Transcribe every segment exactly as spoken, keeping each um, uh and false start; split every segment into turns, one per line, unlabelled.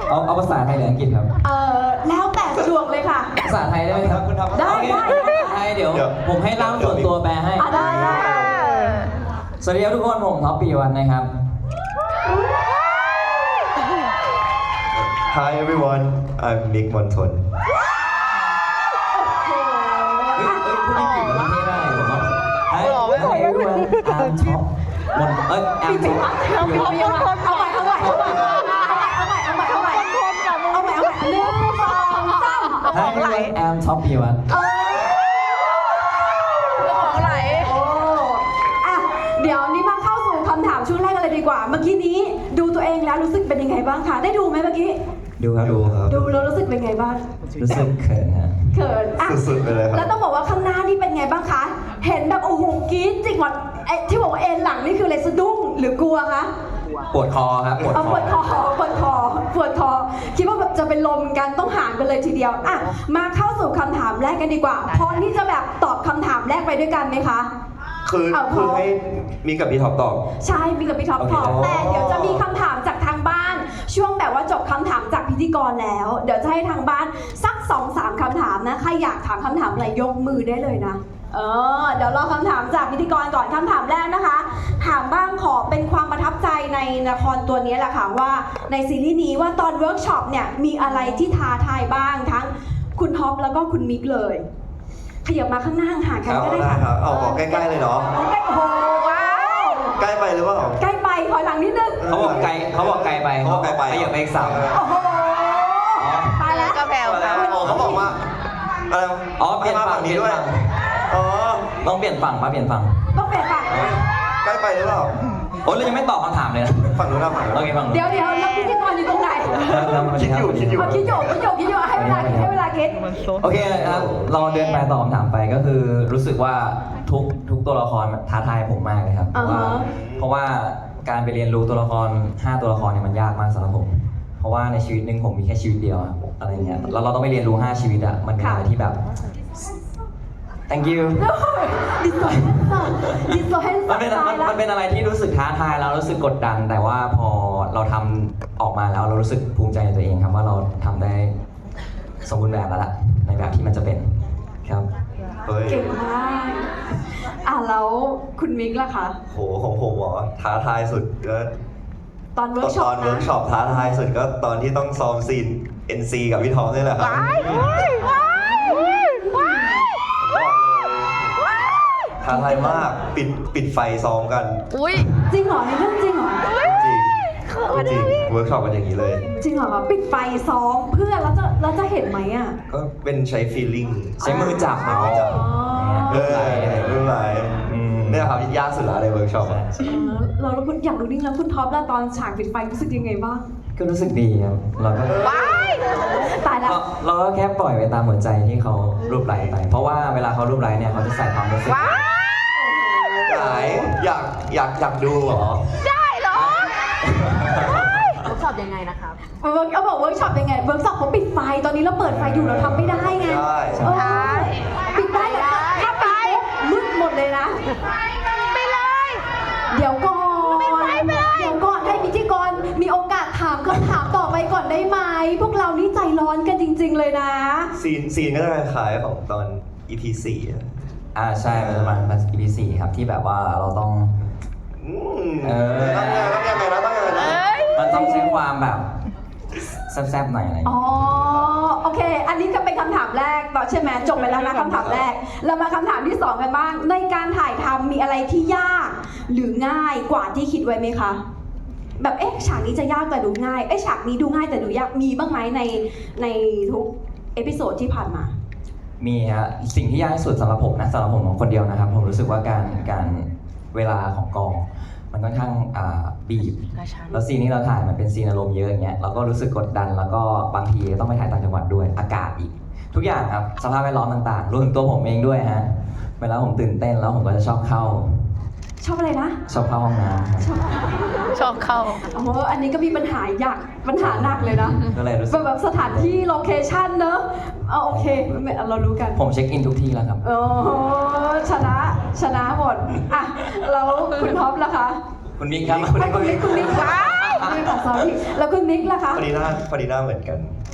เอาเอาภาษาไทยหรืออังกฤษครับ
เออแล้วแต่สะดวกเลยค่ะ
ภาษาไทยได้ไหมครับคุณทำ
ได้ได้
ภาษาไทยเดี๋ยวผมให้ล่ามส่วนตัวแปลให้
อ่ะได้
สวัสดีครับทุกคนผมท็อปปีวันนะครับ
Hi everyone I'm Nick Monton
เฮ้ยเฮ้ยพูดอังกฤษมันไม่ได้ผมว่าไอ้ไอ้ด้วยอาร์มท็อปบนเอ้ยแอมท็อป
เอาใหม่เอาใหม่เอาใหม่เอาใหม่เอาใหม่เอาใหม่เอาใหม่เอาใหม่เอาใหม่เอาใหม่หนึ่งสองสาม
ไอ้ด้วยแอมท็อปปีวัน
เออ
ของไหล
โอ้อะเดี๋ยวนี้มาเข้าสู่คำถามช่วงแรกกันเลยดีกว่า เมื่อกี้นี้ดูตัวเองแล้วรู้สึกเป็นยังไงบ้างคะได้ดูไหมเมื่อกี้
ดูครับ
ดูครับ
ดูแล้วรู้สึกเป็นไงบ้าง
รู้สึกเขินฮะ
เขินอ่ะ
สุดๆไปเลยครับ
แล้วต้องบอกว่าข้างหน้านี่เป็นไงบ้างคะ เห็นแบบโอ้โหกรี๊ดจริงหมดไอ้ที่บอกว่าเอ็นหลังนี่คืออะไรสะดุ้งหรือกลัวคะ
ปวดคอครับปวด
เอา
ค
ป
อ
วดคอปวดคอปวดคอคิดว่าแบบจะเป็นลมกันต้องหามกันเลยทีเดียวอ่ะมาเข้าสู่คำถามแรกกันดีกว่าพร้อมที่จะแบบตอบคำถามแรกไปด้วยกันไหมคะ
คือ
เอาพอ
คือให้มีกับพี่ท็อปตอบ
ใช่มีกับพี่ท็อป
โอเค
ตอบแต่เดี๋ยวจะมีคำถามจากทางบ้าน ช่วงแบบว่าจบคำถามจากพิธีกรแล้ว เดี๋ยวจะให้ทางบ้านสักสองสามคำถามนะใครอยากถามคำถามอะไรยกมือได้เลยนะเออเดี๋ยวรอคำถามจากพิธีกรก่อนคำถามแรกนะคะ ถามบ้างขอเป็นความประทับใจในละครตัวนี้แหละค่ะว่าในซีรีส์นี้ว่าตอนเวิร์กช็อปเนี่ยมีอะไรที่ท้าทายบ้างทั้งคุณท็อปแล้วก็คุณมิกเลยขยับมาข้างหน้าห่างๆกัน
เอา
ก็ได้
ได้
ค่ะ
ครับเอาบอกใกล้ๆเลยเนาะ
ใกล้โอ้โหว้าว
ใกล้ไปหรือเปล่า
ใกล้ไปถอยหลังนิดนึง
เขาบอกไกลเขาบอกไกลไป
เขาบอกไกลไป
ขยับไปอีกสาม
โอ้โหตายแล้ว
ก็แผ่วค่ะ
อ๋อเขาบอกว่าอะไร
อ๋อเปลี่ยน
มา
ฝั่
ฝั่
ง
ง
เปลี่
นี้
ยน
ด้วย
ฝั่ง
อ๋อ
ต้องเปลี่ยนฝั่งมาเปลี่ยนฝั่ง
ต้องเปลี่ยนฝั่ง
ใกล้ไปหรือเปล่า
โอ้ยเรายังไม่ตอบคำถามเลยนะ
ฝั่งนู้นนะฝั่งนู้น
โอเคฝั่งนู้น
เดี๋ยวเดี๋ยวแล้วพิธีกรอยู่ตรงไหน
ครับรับ
คิดอยู่คิดอยู่
เอาคิดอยู่คิดอยู่คิดอยู่ให้เวลาคิดให้เวลาคิด
โอเคครับเราเดินไปตอบคำถามไปก็คือรู้สึกว่าทุกทุกตัวละครมันท้าทายผมมากเลยครับเพราะว่า
อ่าฮะ
เพราะว่าการไปเรียนรู้ตัวละครห้าตัวละครเนี่ยมันยากมากสำหรับผม เพราะว่าในชีวิตหนึ่งผมมีแค่ชีวิตเดียวอะอะไรเงี้ยแล้วเราต้องไปเรียนรู้ห้าชีวิตอะมันเป็นอะไรที่แบบ thank you
ดิสโซเฮนซ์ดิสโซเฮนซ์
มันเป็น
ตาย
มัน
แล้ว
มันเป็นอะไรที่รู้สึกท้าทายแล้วรู้สึกกดดัน แต่ว่าพอเราทำออกมาแล้วเรารู้สึกภูมิใจในตัวเองครับว่าเราทำได้สมบูรณ์แบบแล้วล่ะในแบบที่มันจะเป็นครับ
เฮ้ย
เก่งมากอ่ะแล้วคุณมิกล่ะคะ
โหของผมเหรอท้าทายสุดก็
ตอนเวิ
ต
ร์กช็อ
อ
ป
นเวิร์
นะ
กช็อปท้าทายสุดก็ตอนที่ต้องซ้อมซีน เอ็น ซี กับพี่ท็อปนี่แหละครับ
ว้ายว้ายว้ายว้าย
ท้าทายมากปิดปิดไฟซ้อมกัน
อุ้ย
จริงเหรอในเรื่องจริงเหรอ
จริง
เขิน
จริง
อะ
เวิร์กช็อปกันอย่างนี้เลย
จริงเหรอปิดไฟซ้อมเพื่อแล้วจะแล้วจะเห็นไหมอ่ะ
ก็เป็นใช้ feeling
ใช้มือจับ
ใช้มือจับ
อ๋อ
เออไม่เป็นไร
อืม
เนี่ยครับยากสุดละในเวิร์กช็อปอะ
เออเราแล้วคุณอยากรู้นิ่งแล้วคุณท็อปแล้วตอนฉากปิดไฟรู้สึกยังไงบ้าง
ก็รู้สึกดีครับเราก็
ว้าย
ตายแล้ว
เราเราก็แค่ปล่อยไปตามหัวใจที่เขารูปไลค์ไป เพราะว่าเวลาเขารูปไลค์เนี่ยเขาจะใส่ความรู้สึก
ว้าย
ไหนอยากอยากอยากดูเหรอ
ได้เหรอ
เวิร์กช็อปยังไงนะครับ
เวิร์กเขาบอกเวิร์กช็อปยังไงเวิร์กช็อปเขาปิดไฟตอนนี้เราเปิดไฟอยู่เราทำไม่ได้ไง
ได้
เออปิดได้เหรอถ้าปิดปุ๊บมืดหมดเลยนะ
ไปเลย
เดี๋ยวก่อน
ปิดไฟไปเลย
เดี๋ยวก่อนให้พิธีกรมีโอกาสถามคำถามต่อไปก่อนได้ไหมพวกเรานี่ใจร้อนกันจริง ๆ เลยนะ
ซีนซีนก็จะคล้ายๆของตอน อี พี สี่อะ
อ่าใช่มันจะมาเป็น อี พี สี่ครับที่แบบว่าเราต้อง
อืม
เออ
ต้องยังไงต้องยังไงนะต้องยังไงนะ
เอ้ย
มันต้องใช้ความแบบแซ่บๆหน่อยอะไรอย่าง
อ๋อ
เงี้ย
โอเค อันนี้ก็เป็นคำถามแรกต่อใช่ไหมจบไปแล้วนะคำถามแรก เรามาคำถามที่สองกันบ้าง ในการถ่ายทำมีอะไรที่ยาก หรือง่ายกว่าที่คิดไว้ไหมคะ แบบเอ๊ะฉากนี้จะยากแต่ดูง่าย เอ๊ะฉากนี้ดูง่ายแต่ดูยาก มีบ้างไหมในในทุกเอพิโซดที่ผ่านมา
มีฮะสิ่งที่ยากที่สุดสำหรับผมนะสำหรับผมคนเดียวนะครับ ผมรู้สึกว่าการการเวลาของกอง มันค่อนข้างอ่าบีบ
กระชั้น
แล้วซีนที่เราถ่ายมันเป็นซีนอารมณ์เยอะอย่างเงี้ยเราก็รู้สึกกดดันแล้วก็บางทีต้องไปถ่ายต่างจังหวัดด้วยอากาศอีก ทุกอย่างครับสภาพแวดล้อมต่างๆรวมถึงตัวผมเองด้วยฮะเวลาผมตื่นเต้นแล้วผมก็จะชอบเข้า
ชอบอะไรนะ
ชอบเข้าห้องน้ำครับ
ชอบ
ชอบเข้า
โอ้โหอันนี้ก็มีปัญหาอยากปัญหาหนักเลยนะ
ก็เลยรู้สึ
แบ
ก
บแบบสถานที่โลเคชั่นเนอะเอาโอเคไม่เรารู้กัน
ผมเช็คอินทุกที่แล้วครับ
โอ้โหชนะชนะหมดอ่ะแล้วคุณท็อปล่ะคะ
คุณมิกครับ
ไม่คุณมิกคุณมิก
ว้าย
sorry ค่ะ sorry แล้วคุณมิกล่ะคะ
พอดีหน้าพอดีหน้าเหมือนกัน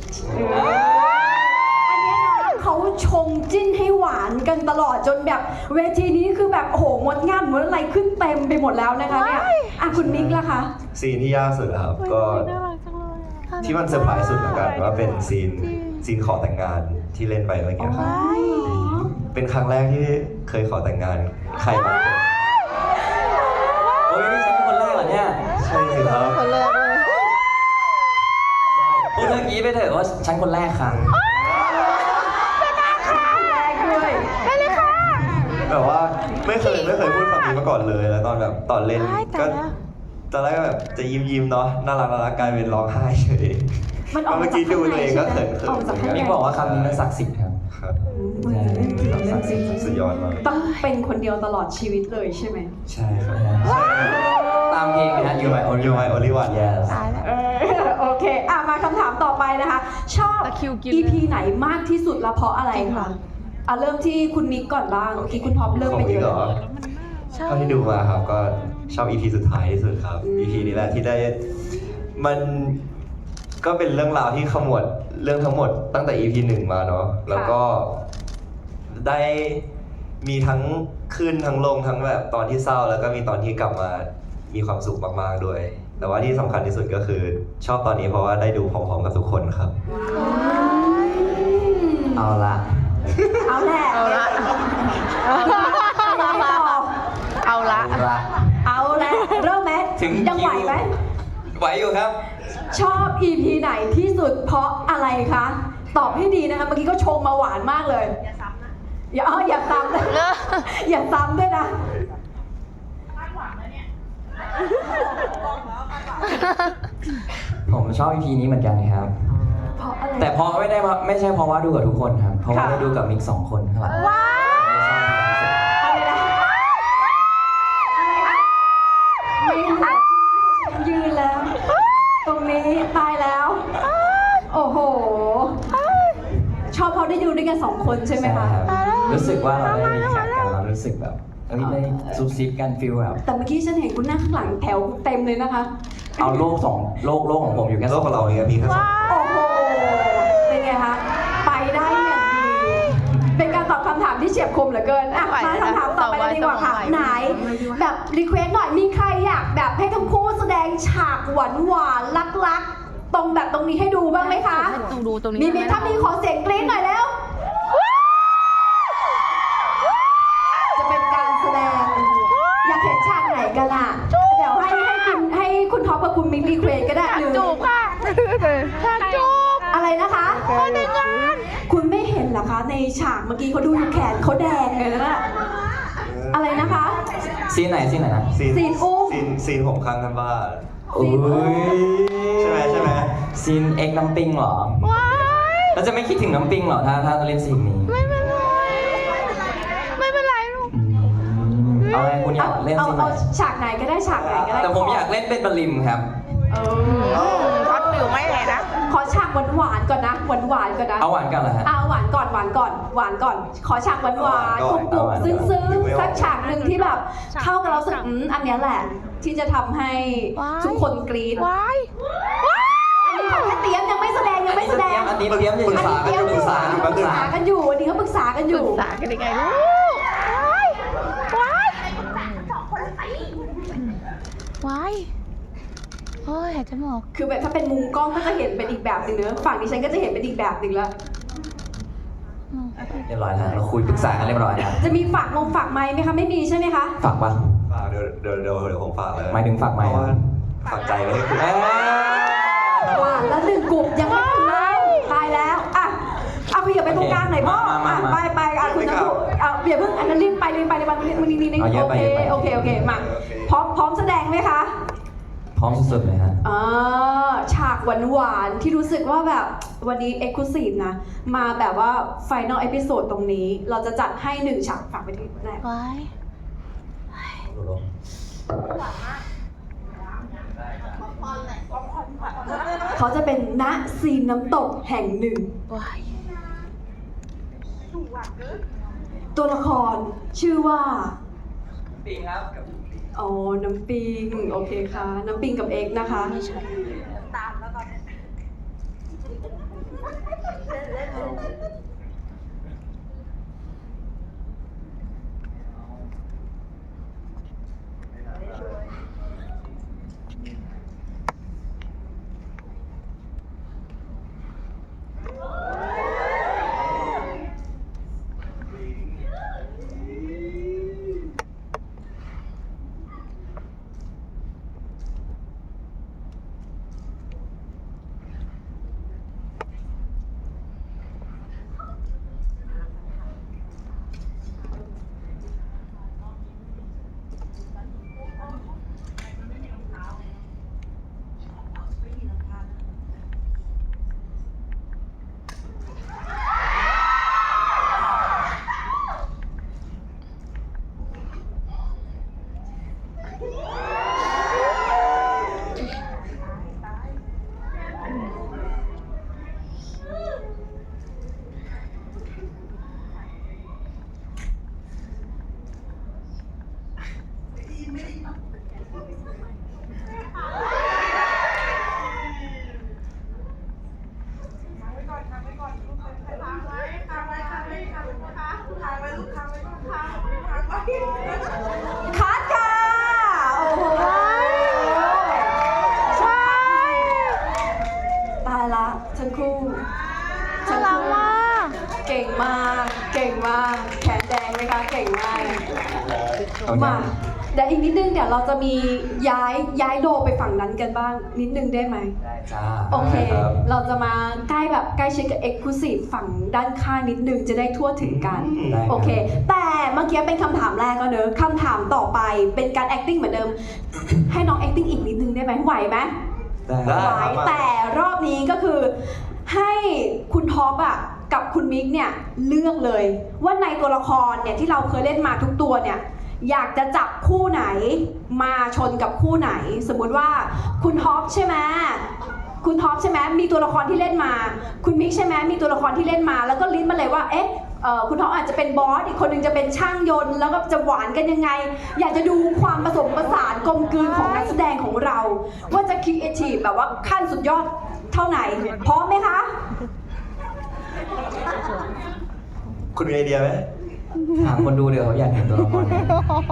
อันเนี้ยนะเขาชงจิ้นให้หวานกันตลอดจนแบบเวทีนี้คือแบบโอ้โหงดงามเหมือนอะไรขึ้นเต็มไปหมดแล้วนะคะเนี่ยอ่ะคุณมิกล่ะคะ
ซีนที่ยากสุดอะครับ ก็ที่มันเซอร์ไพรส์สุดแล้วกันว่าเป็นซีนซีนขอแต่งงานที่เล่นไปเมื่อกี้ครับ เป็นครั้งแรกที่เคยขอแต่งงานใครบางคน
โอ้ยนี่ฉันเป็นคนแรกเหรอเนี่ย
ใช่สิครับ
คนแรกเลย
พูดเรื่องนี้ไปเถอะว่าฉันคนแรกค่ะ
แรกด้วย
ได้เลยค่ะ
แบบว่าไม่เคยไม่เคยพูดคำนี้มาก่อนเลยแล้วตอนแบบตอนเล่น
ได้แต่
ก็
แล้ว
ตอนแรกก็แบบจะยิ้มยิ้มๆเนาะน่ารักน่ารักกลายเป็นร้องไห้เฉย
มันออก
เมื่
มา
อ
จาก
กี้ดู
ข้างใน
ตัวเองก็
ใช่ไหม
เขินๆ
ออกจากข้างใน
มิกบอกว่าคำนี้มันศักดิ์สิทธิ์ครับ
ครับ
อืมเรื่องจริงเรื่องจริง
สุดยอดมาก
ต้องเป็นคนเดียวตลอดชีวิตเลยใช่ไหม
ใช่ครับ
ตามเพลงนะ You My Only
You My Only One
Yes
ตายแล้ว
เออโอเคอ่ะมาคำถามต่อไปนะคะ ชอบ
ตะคริวกิน
อี พี ไหนมากที่สุดและเพราะอะไรคะอ่ะเริ่มที่คุณมิกก่อนบ้างเมื่อกี้คุณท็อปเริ่ม
ขอ
ไป
ง
เย
พี่
อะ
เหรอ
ใช่
เท่าที่ดูมาครับก็ชอบ อี พี สุดท้ายที่สุดครับ อี พี นี้แหละที่ได้มันก็เป็นเรื่องราวที่ขมวดเรื่องทั้งหมดตั้งแต่ อี พี หนึ่งมาเนาะแล้วก็ได้มีทั้งขึ้นทั้งลงทั้งแบบตอนที่เศร้าแล้วก็มีตอนที่กลับมามีความสุขมากๆด้วย แต่ว่าที่สำคัญที่สุดก็คือชอบตอนนี้เพราะว่าได้ดูพร้อมๆกับทุกคนครับ
เอาละ
เอาแหละ
เอาละ
เอาละเอาละต่อ
เอาละ
เอาละ
เอาแหละเริ่มไหม
ถึง
ยังไหวไหม
ไหวอยู่ครับ
ชอบ อี พี ไหนที่สุดเพราะอะไรคะ ตอบให้ดีนะคะ เมื่อกี้ก็ชงมาหวานมากเลย อย่าซ้ำนะ อย่าอ๋ออย่าซ้ำนะ อย่าซ้ำด้วยนะ
ผมชอบ อี พี นี้เหมือนกันครับ
เพราะอะไร
แต่เพราะไม่ได้ว่าไม่ใช่เพราะว่าดูกับทุกคนครับ เพราะว่า
ค่ะ
ได้ดูกับมิกสองคนข้างหลัง
ว้าย
อะไรนะไม่เหลือยืนแล้ว ตรงนี้ตายแล้ว โอ้โห ชอบเขาได้ดูด้วยกันสองคนใช่ไหม
ใช่
คะ
ครับรู้สึกว่าเราได้มีแข่งกันเรารู้สึกแบบเอ้ยได้ซุบซิบกันฟิลแบบ
แต่เมื่อกี้ฉันเห็นคุณนั่งข้างหลังแถวเต็มเลยนะคะ
เอาโลกสองโลกโลกของผมอยู่แค่
โล
ส
ก
อง
ของเราเนี่ยมีแค่สอง
โอ้โห เป็นไงคะ ไปได้อย่างดี เป็นการตอบคำถามที่เฉียบคมเหลือเกิน อ่ะ มาคำถามต่อไปเลยดีกว่าค่ะ ไหน แบบรีเควสหน่อย มีใครอยากแบบให้ทั้งคู่แสดงฉากหวานหวานๆลักๆ ตรงแบบตรงนี้ให้ดูบ้างไหมคะ
ต้องดูตรงนี้
มีมีถ้ามีขอเสียงกรี๊ดหน่อยแล้ว จะเป็นการแสดง อยากเห็นฉากไหนกันล่ะ เดี๋ยวให้ให้คุณให้คุณท็อปกับคุณมิกรีเควสก็ได้หรือ
จูบค่ะฉากจูบ
อะไรนะคะ
คนในงาน
คุณไม่เห็นเหรอคะ ในฉากเมื่อกี้เขาดูอยู่แขนเขาแดงเลยนะอะไรนะคะ
ซีนไหนซีนไหนนะ
ซีน
ซีนอุ้ม
ซีนซีนผมข้างกันบ้าน
อุ้ย
ใช่ไหมใช่ไหม
ซีนเอ็กน้ำปิงเหรอ
ว้าย
เราจะไม่คิดถึงน้ำปิงเหรอถ้าถ้าเราเล่นซีนนี้
ไม่เป็นไร ไม่เป็นไรลูก
อืมเอาไงคุณอยากเล่น
เอา
ซีนไหน
เอาฉากไหนก็ได้ฉากไหนก็ได้
แต่ผมอยากเล่นเป็นบลิมครับ
เออ
ช็อตฟิวไม่เลยนะ
ขอฉากหวานหวานๆก่อนนะหวานหวานๆก่อนนะ
เอาหวานกันเหรอฮะ
เอาหวานก่อนหวานก่อนหวานก่อน ขอฉากหวานหวานก
เอา
ลุ่
หวาน
ม
ก่อน
ๆซึ้งซึ้ง
นึกไม่ออก
สักฉากหนึ่งที่แบบ เข้ากับเราสึกอืมอันเนี้ยแหละ ที่จะทำให้
ว้าย
ทุกคนกรี๊ด
ว้ายว้าย
อันนี้เขาแค่เตรียมยังไม่แสดงยังไม่แสดง
อันนี้เตรียม
ปรึกษา
อันนี้
ปรึกษา
อยู่
ปรึกษากันอยู่อันนี้เขาปรึกษากันอ
ปรึ
ยู่
กษากันยังไงลูก ว้าย ว้าย ว้าย โอ้ยหายใจไม่ออก
คือแบบถ้าเป็นมุมกล้องก็จะเห็นเป็นอีกแบบหนึ่งเนอะฝั่งดิฉันก็จะเห็นเป็นอีกแบบหนึ่งแล้ว
เรียบร้อยแล้วเราคุยปรึกษากันเรียบร้อยแล้ว
จะมีฝากงงฝากไม้ไหมคะไม่มีใช่ไหมคะ
ฝากปะ
ฝากเดี๋ยวเดี๋ยวเดี๋ยวเดี๋ยวผมฝากเลย
หมายถึงฝากไหม
เพราะว่าฝากใจไว้ให้คุณ
เอ้ย
หวานแล้วหนึ่งกลุ่มยังไม่ถึงเลยตายแล้วอ่ะเอาไปอย่าไปตรงกลางหน่อยพ่ออ่ะไปไปอ่ะคุณจะพูดอ่ะอย่าเพิ่งอันนั้นรีบไปรีบไปรีบไปรีบไปรีบไปรีบโอเคโอเคโอเคมาพร้อมพร้อมแสดงไหมคะ
พร้อมสุดๆเลยฮะ
อ่าฉากหวานๆที่รู้สึกว่าแบบวันนี้เอ็กซ์คลูซีฟนะ มาแบบว่าไฟนอลเอพิโซดตรงนี้ เราจะจัดให้หนึ่งฉากฝากไปที่แรก
ว้าย
เขาจะเป็นณซีนน้ำตกแห่งหนึ่ง
ว้าย
ตัวละครชื่อว่า
ปิงครับ
อ๋อ น้ำปิง โอเคค่ะ น้ำปิงกับเอ็กซ์นะคะ คัดค่ะ โอ้โห
ใช่
ตายละทั้งคู่
น่ารักมาก
เก่งมาก เก่งมาก แขนแดงไหมคะ เก่งมาก
เอา
มา
อย่าง
เดี๋ยวอีกนิดนึงเดี๋ยวเราจะมีย้ายย้ายโดไปฝั่งนั้นกันบ้าง นิดนึงได้ไหม
ได้จ้า
โอเค
ได้ครับ
เราจะมาใกล้แบบใกล้ชิดกับ Exclusive ฝั่งด้านข้างนิดนึงจะได้ทั่วถึงกัน
ได้รับ
โอเค แต่เมื่อกี้เป็นคำถามแรกก็เนอะคำถามต่อไปเป็นการ acting เหมือนเดิม ให้น้อง acting อีกนิดนึงได้ไหมไหวไหม
ได้
ได้
ไหว
ครับ
แต่รอบนี้ก็คือให้คุณท็อปอ่ะกับคุณมิกเนี่ยเลือกเลย ว่าในตัวละครเนี่ยที่เราเคยเล่นมาทุกตัวเนี่ยอยากจะจับคู่ไหนมาชนกับคู่ไหน สมมุติว่าคุณท็อปใช่ไหมคุณท็อปใช่ไหมมีตัวละครที่เล่นมา คุณมิกใช่ไหมมีตัวละครที่เล่นมา แล้วก็ลิ้นมาเลยว่าเอ๊ะเอ่อคุณท็อปอาจจะเป็นบอสอีกคนหนึงจะเป็นช่างยนต์แล้วก็จะหวานกันยังไง อยากจะดูความผสมผสานกลมกลืนของนักแสดงของเรา ว่าจะครีเอทีฟแบบว่าขั้นสุดยอดเท่าไหน พร้อมไหมคะ
คุณมีไอเดียไหม
ถามคนดูเดี๋ยวเขาอยากเห็นตัวละครไหน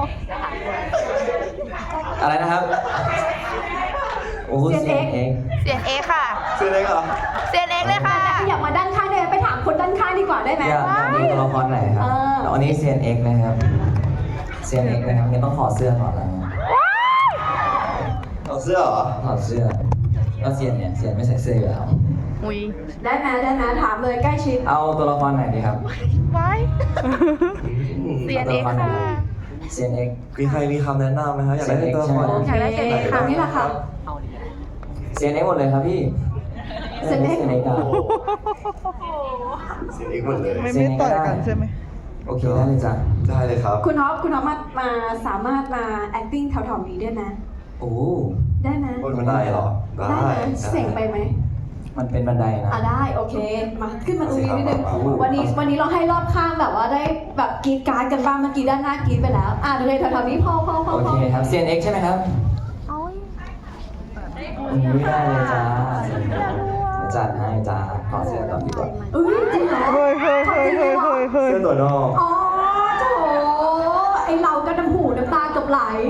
อะไรนะครับ โอ้โห
เซี
เสี
ย
ย
น
ง
เอ็
เอก
ซ์
เสียนเอค่ะ
ซื้อเล็กเหรอ
เสียนเอกเลยค่ะ
ขยับมาด้านข้างได้ไหมไปถามคนด้านข้างดีกว่าได้ไหม
อยากอยากดูตัวละครไหนครับ
เออ
แล้วอันนี้เซียนเอ็กนะครับเซียนเอ็กนะครับงั้นต้องถอดเสื้อก่อนแล้วนะ
เอาเสื้อเหรอ
ถอดเสื้อแล้วเซียนเนี่ยเซียนไม่ใส่เสื้ออยู่แล้ว
อุ้ย
ได้ไหมได้ไหมถามเลยใกล้ชิด
เอาตัวละครไหนดีครับ
ไว้ เสียนเอกค่ะ
เซียนเอ็ก
มีใครมีคำแนะนำไหมครับอยากได้เป็นตัวละคร
โอเค
อยากได้เซียนเอ็กซ์ค่ะ
ตรงนี้แหละค่ะ
เซียนเอ็กหมดเลยครับพี่
เซียนเอ็ก
เซียนเอ็กอะ
เสียงเอกหมดเลย
ไม่ไม่ต่อยกันใช่ไหม
โอเคได้เลยจ้ะ
ได้เลยครับ
คุณท็อปคุณท็อปมามาสามารถมา acting แถวๆนี้ได้ไหม
โอ้
ได้ไหม
บนบันไดเหรอ ได้
ได้ไหมเสียงไปไหม
มันเป็นบันไดนะ
อ่ะได้โอเค มาขึ้นมาตรงนี้นิดนึง
เอาสิครับ
วันนี้วันนี้เราให้รอบข้างแบบว่าได้แบบกรีดการ์ดกันบ้างเมื่อกี้ด้านหน้ากรีดไปแล้ว อ่ะเลยแถวๆนี้พอพอพอ
โอ
พอ
เคครับเซียนเอ็กใช่ไหมครับ
โอ้ย
อืมไม่ได้เลยจ้าเดี๋ยวจัดให้จ้าขอเสื้อก่อนดีกว่า
เอ้ยจริงเหรอ
เฮ้ยเฮ้ยเฮ้ยเฮ้ยเฮ้ยเฮ้ย
เสื้อตัวนอก
อ๋อโถไอเราก็น้ำหูน้ำตาเกับไหล